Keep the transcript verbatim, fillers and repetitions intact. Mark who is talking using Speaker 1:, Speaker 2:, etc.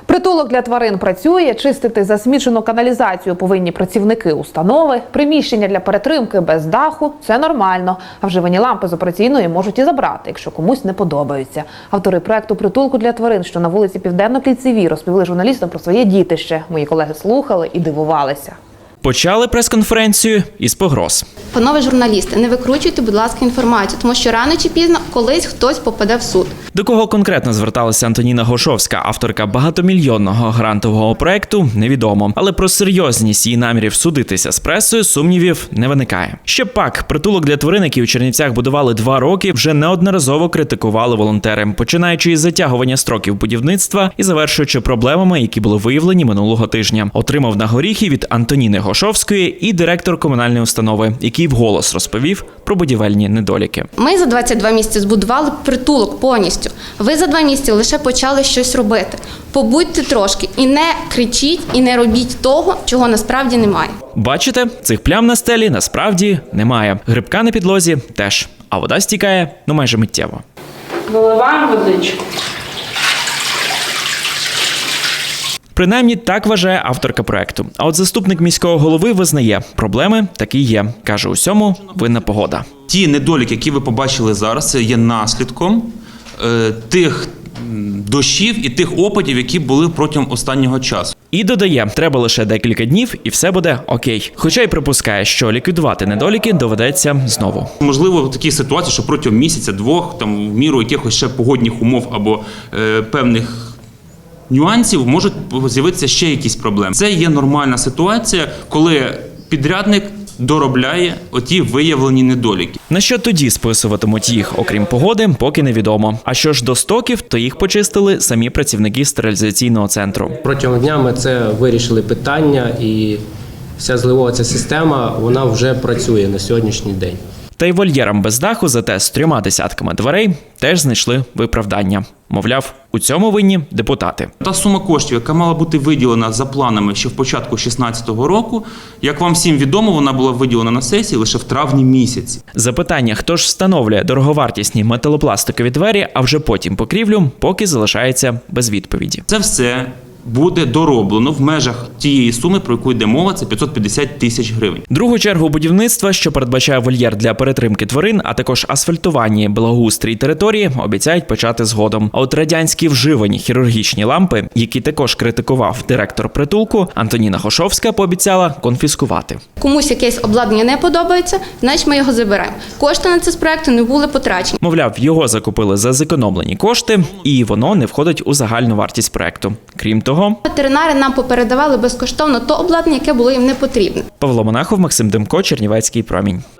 Speaker 1: Притулок для тварин працює, чистити засмічену каналізацію повинні працівники установи, приміщення для перетримки без даху – це нормально. А вживані лампи з операційної можуть і забрати, якщо комусь не подобаються. Автори проекту «Притулку для тварин», що на вулиці Південно-Кільцевій, розповіли журналістам про своє дітище. Мої колеги слухали і дивувалися.
Speaker 2: Почали прес-конференцію із погроз.
Speaker 3: Панове журналісти, не викручуйте, будь ласка, інформацію, тому що рано чи пізно колись хтось попаде в суд.
Speaker 2: До кого конкретно зверталася Антоніна Гошовська, авторка багатомільйонного грантового проекту, невідомо. Але про серйозність її намірів судитися з пресою сумнівів не виникає. Ще пак, притулок для тварин, який у Чернівцях будували два роки, вже неодноразово критикували волонтери, починаючи із затягування строків будівництва і завершуючи проблемами, які були виявлені минулого тижня. Отримав на горіхи від Антоніни Гошовської і директор комунальної установи, який вголос розповів про будівельні недоліки.
Speaker 3: Ми за двадцять два місяці збудували притулок повністю. Ви за два місяці лише почали щось робити. Побудьте трошки і не кричіть, і не робіть того, чого насправді немає.
Speaker 2: Бачите, цих плям на стелі насправді немає. Грибка на підлозі теж. А вода стікає, ну майже миттєво.
Speaker 4: Виливаємо водичку.
Speaker 2: Принаймні, так вважає авторка проекту. А от заступник міського голови визнає, проблеми такі є. Каже, усьому винна погода.
Speaker 5: Ті недоліки, які ви побачили зараз, це є наслідком е, тих дощів і тих опадів, які були протягом останнього часу.
Speaker 2: І додає, треба лише декілька днів і все буде окей. Хоча й припускає, що ліквідувати недоліки доведеться знову.
Speaker 5: Можливо, в такій ситуації, що протягом місяця-двох, там, в міру якихось ще погодних умов або е, певних нюансів можуть з'явитися ще якісь проблеми. Це є нормальна ситуація, коли підрядник доробляє оті виявлені недоліки.
Speaker 2: На що тоді списуватимуть їх, окрім погоди, поки невідомо. А що ж до стоків, то їх почистили самі працівники стерилізаційного центру.
Speaker 6: Протягом дня ми це вирішили питання, і вся зливова ця система, вона вже працює на сьогоднішній день.
Speaker 2: Та й вольєрам без даху, зате з трьома десятками дверей, теж знайшли виправдання. Мовляв, у цьому винні депутати.
Speaker 5: Та сума коштів, яка мала бути виділена за планами ще в початку дві тисячі шістнадцятого року, як вам всім відомо, вона була виділена на сесії лише в травні місяці.
Speaker 2: Запитання, хто ж встановлює дороговартісні металопластикові двері, а вже потім покрівлю, поки залишається без відповіді.
Speaker 5: Це все буде дороблено в межах тієї суми, про яку йде мова, це п'ятсот п'ятдесят тисяч гривень.
Speaker 2: Другу чергу будівництва, що передбачає вольєр для перетримки тварин, а також асфальтування, благоустрій території, обіцяють почати згодом. А от радянські вживані хірургічні лампи, які також критикував директор притулку, Антоніна Гошовська пообіцяла конфіскувати.
Speaker 3: Комусь якесь обладнання не подобається, значить ми його заберемо. Кошти на це з проекту не були потрачені.
Speaker 2: Мовляв, його закупили за зекономлені кошти, і воно не входить у загальну вартість проекту. Крім того,
Speaker 3: Ветеринари нам попередавали безкоштовно то обладнання, яке було їм не потрібне.
Speaker 2: Павло Монахов, Максим Демко, Чернівецький промінь.